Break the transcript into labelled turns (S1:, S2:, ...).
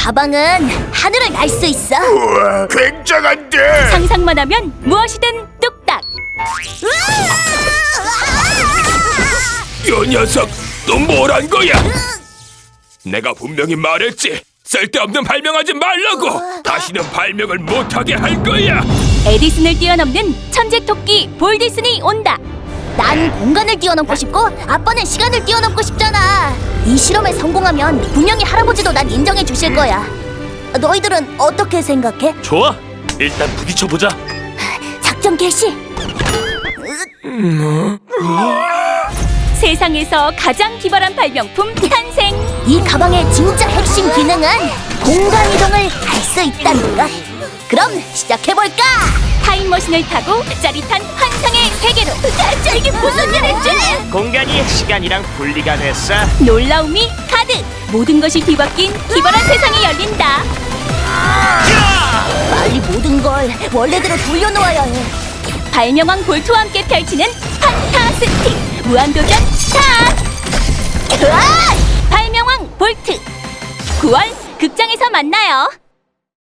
S1: 가방은 하늘을 날 수 있어.
S2: 우와, 굉장한데.
S3: 상상만 하면 무엇이든 뚝딱.
S2: 이 녀석, 또 뭘 한 거야? 내가 분명히 말했지. 쓸데없는 발명하지 말라고. 다시는 발명을 못하게 할 거야.
S3: 에디슨을 뛰어넘는 천재 토끼 볼디슨이 온다.
S1: 난 공간을 뛰어넘고 싶고 아빠는 시간을 뛰어넘고 싶잖아. 이 실험에 성공하면 분명히 할아버지도 난 인정해 주실 거야. 너희들은 어떻게 생각해?
S4: 좋아. 일단 부딪혀보자.
S1: 작전 개시.
S3: 세상에서 가장 기발한 발명품 탄생.
S1: 이 가방의 진짜 핵심 기능은 공간 이동을 할 수 있다는 것. 그럼 시작해볼까?
S3: 타임머신을 타고 짜릿한 환상의 세계로.
S1: 이게 무슨 일이지?
S4: 공간이 시간이랑 분리가 됐어.
S3: 놀라움이 가득. 모든 것이 뒤바뀐 기발한 세상이 열린다.
S1: 빨리 모든 걸 원래대로 돌려놓아야 해.
S3: 발명왕 볼트와 함께 펼치는 판타스틱 무한도전 스타트.
S1: 으아!
S3: 발명왕 볼트 9월 극장에서 만나요.